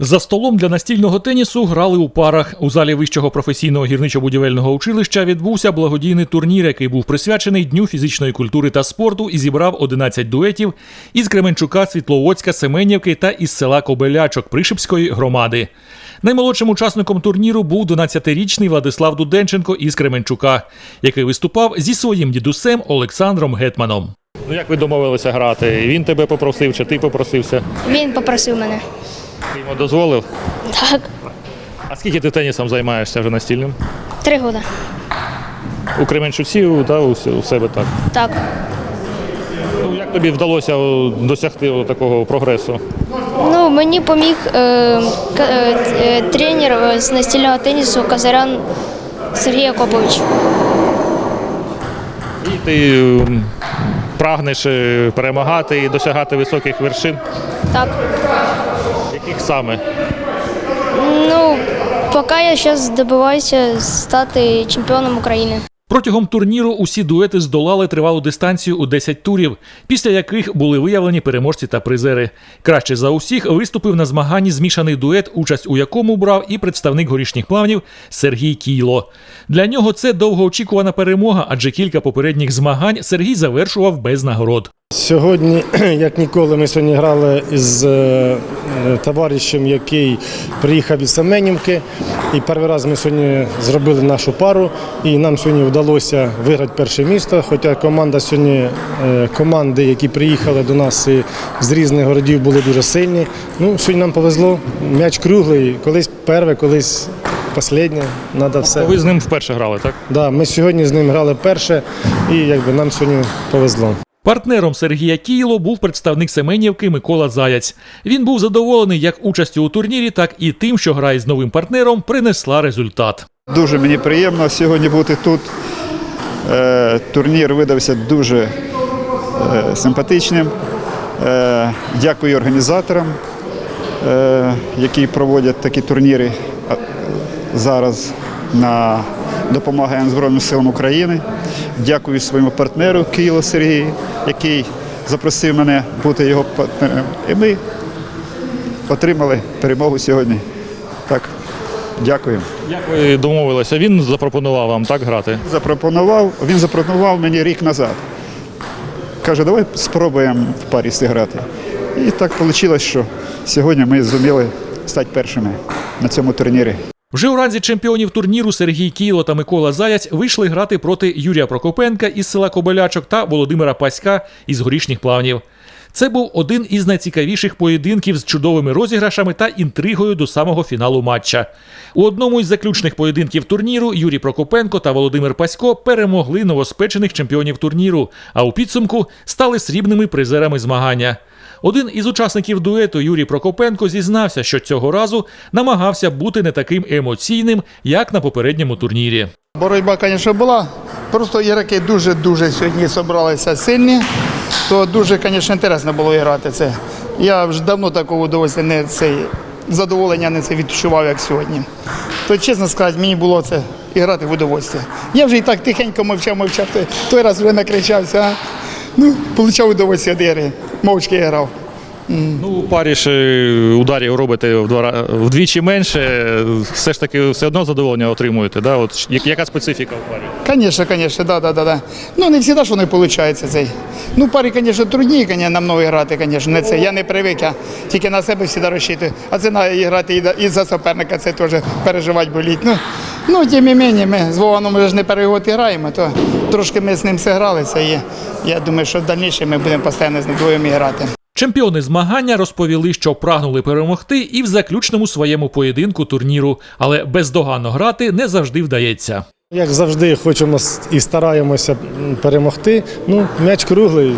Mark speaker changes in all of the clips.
Speaker 1: За столом для настільного тенісу грали у парах. У залі Вищого професійного гірничо-будівельного училища відбувся благодійний турнір, який був присвячений Дню фізичної культури та спорту і зібрав 11 дуетів із Кременчука, Світловодська, Семенівки та із села Кобелячок Пришипської громади. Наймолодшим учасником турніру був 12-річний Владислав Дуденченко із Кременчука, який виступав зі своїм дідусем Олександром Гетманом. Ну як ви домовилися грати? Він тебе попросив чи ти попросився?
Speaker 2: Він попросив мене.
Speaker 1: Ти йому дозволив?
Speaker 2: Так.
Speaker 1: А скільки ти тенісом займаєшся вже настільним?
Speaker 2: 3 роки.
Speaker 1: У Кременчуці, у себе так?
Speaker 2: Так.
Speaker 1: Ну, як тобі вдалося досягти такого прогресу?
Speaker 2: Ну, мені поміг тренер з настільного тенісу Казарян Сергій Акопович.
Speaker 1: І ти прагнеш перемагати і досягати високих вершин?
Speaker 2: Так.
Speaker 1: Яких саме?
Speaker 2: Ну, поки я зараз добиваюся стати чемпіоном України.
Speaker 1: Протягом турніру усі дуети здолали тривалу дистанцію у 10 турів, після яких були виявлені переможці та призери. Краще за усіх виступив на змаганні змішаний дует, участь у якому брав і представник Горішніх Плавнів Сергій Кійло. Для нього це довгоочікувана перемога, адже кілька попередніх змагань Сергій завершував без нагород.
Speaker 3: Сьогодні, як ніколи, ми сьогодні грали із товаришем, який приїхав із Семенівки. І перший раз ми сьогодні зробили нашу пару, і нам сьогодні вдалося виграти перше місце. Хоча команди, які приїхали до нас з різних городів, були дуже сильні. Ну, сьогодні нам повезло, м'яч круглий, колись перше, колись останнє, треба все.
Speaker 1: Ви з ним вперше грали, так?
Speaker 3: Так, ми сьогодні з ним грали перше, і нам сьогодні повезло.
Speaker 1: Партнером Сергія Кійло був представник Семенівки Микола Заяць. Він був задоволений як участю у турнірі, так і тим, що гра із новим партнером принесла результат.
Speaker 4: Дуже мені приємно сьогодні бути тут. Турнір видався дуже симпатичним. Дякую організаторам, які проводять такі турніри зараз на допомагаємо Збройним силам України. Дякую своєму партнеру Кійло Сергію, який запросив мене бути його партнером. І ми отримали перемогу сьогодні. Так, дякую.
Speaker 1: Як ви домовилися? Він запропонував вам так грати?
Speaker 4: Він запропонував мені рік назад. Каже, давай спробуємо в парі зіграти. І так вийшло, що сьогодні ми зуміли стати першими на цьому турнірі.
Speaker 1: Вже у ранзі чемпіонів турніру Сергій Кійло та Микола Заяць вийшли грати проти Юрія Прокопенка із села Кобелячок та Володимира Паська із Горішніх Плавнів. Це був один із найцікавіших поєдинків з чудовими розіграшами та інтригою до самого фіналу матча. У одному із заключних поєдинків турніру Юрій Прокопенко та Володимир Пасько перемогли новоспечених чемпіонів турніру, а у підсумку стали срібними призерами змагання. Один із учасників дуету Юрій Прокопенко зізнався, що цього разу намагався бути не таким емоційним, як на попередньому турнірі.
Speaker 5: Боротьба, звісно, була. Просто ігроки дуже сьогодні зібралися сильні, то дуже, звісно, цікаво було грати це. Я вже давно такого задоволення не відчував, як сьогодні. То, чесно сказати, мені було це грати в удовольствие. Я вже і так тихенько мовчав, той раз вже накричався. Отримав удовольствие від гри, мовчки грав.
Speaker 1: Ну, у парі ж ударів робите вдвічі менше, все ж таки все одно задоволення отримуєте, да? От яка специфіка в парі?
Speaker 5: Звісно, да. Ну, не завжди ж воно виходить. Ну, парі, звісно, трудніше намного грати, звісно, не це. Я не привик, я тільки на себе завжди розчитую. А це треба грати і за суперника, це теж переживати боліть. Ну, тим не менше, ми з Вованом вже не перший год граємо, то трошки ми з ним зігралися, і я думаю, що в дальнішому ми будемо постійно з ним двоєм грати.
Speaker 1: Чемпіони змагання розповіли, що прагнули перемогти і в заключному своєму поєдинку турніру, але бездоганно грати не завжди вдається.
Speaker 3: Як завжди, хочемо і стараємося перемогти. Ну, м'яч круглий,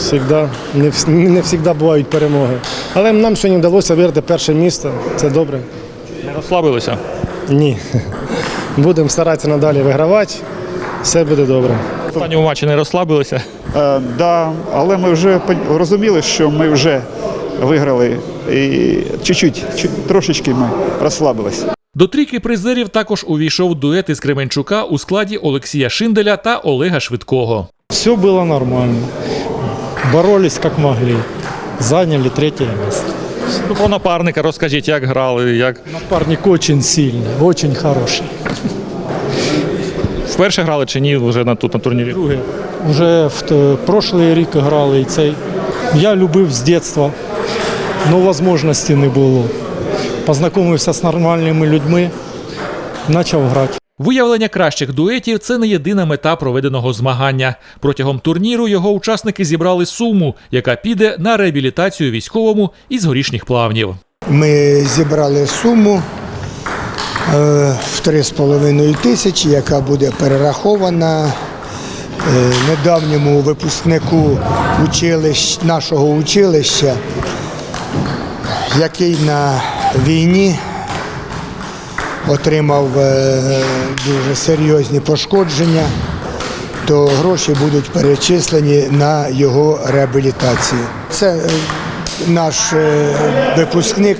Speaker 3: не завжди бувають перемоги. Але нам сьогодні вдалося виграти перше місце, це добре.
Speaker 1: Не розслабилися?
Speaker 3: Ні. Будемо старатися надалі вигравати, все буде добре.
Speaker 1: В останньому матчі не розслабилися?
Speaker 4: Так, але ми вже розуміли, що ми вже виграли і трошечки ми розслабилися.
Speaker 1: До трійки призерів також увійшов дует із Кременчука у складі Олексія Шинделя та Олега Швидкого.
Speaker 6: Все було нормально. Боролись як могли. Зайняли 3-е місце.
Speaker 1: Ну, про напарника розкажіть, як грали, як
Speaker 6: Напарник очень сильный, очень хороший.
Speaker 1: вперше грали чи ні вже на турнірі?
Speaker 6: Друге, вже в прошлий рік грали і цей. Я любив з дитинства, але можливості не було. Познайомився з нормальними людьми, почав грати.
Speaker 1: Виявлення кращих дуетів – це не єдина мета проведеного змагання. Протягом турніру його учасники зібрали суму, яка піде на реабілітацію військовому із Горішніх Плавнів.
Speaker 7: Ми зібрали суму в 3,5 тисячі, яка буде перерахована недавньому випускнику нашого училища, який на війні отримав дуже серйозні пошкодження, то гроші будуть перечислені на його реабілітацію. Це наш випускник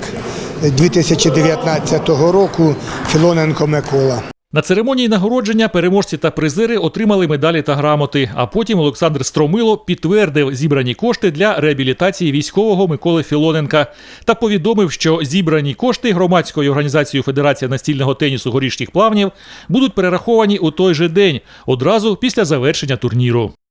Speaker 7: 2019 року Філоненко Микола.
Speaker 1: На церемонії нагородження переможці та призери отримали медалі та грамоти, а потім Олександр Стромило підтвердив зібрані кошти для реабілітації військового Миколи Філоненка та повідомив, що зібрані кошти громадською організацією Федерація настільного тенісу Горішніх Плавнів будуть перераховані у той же день, одразу після завершення турніру.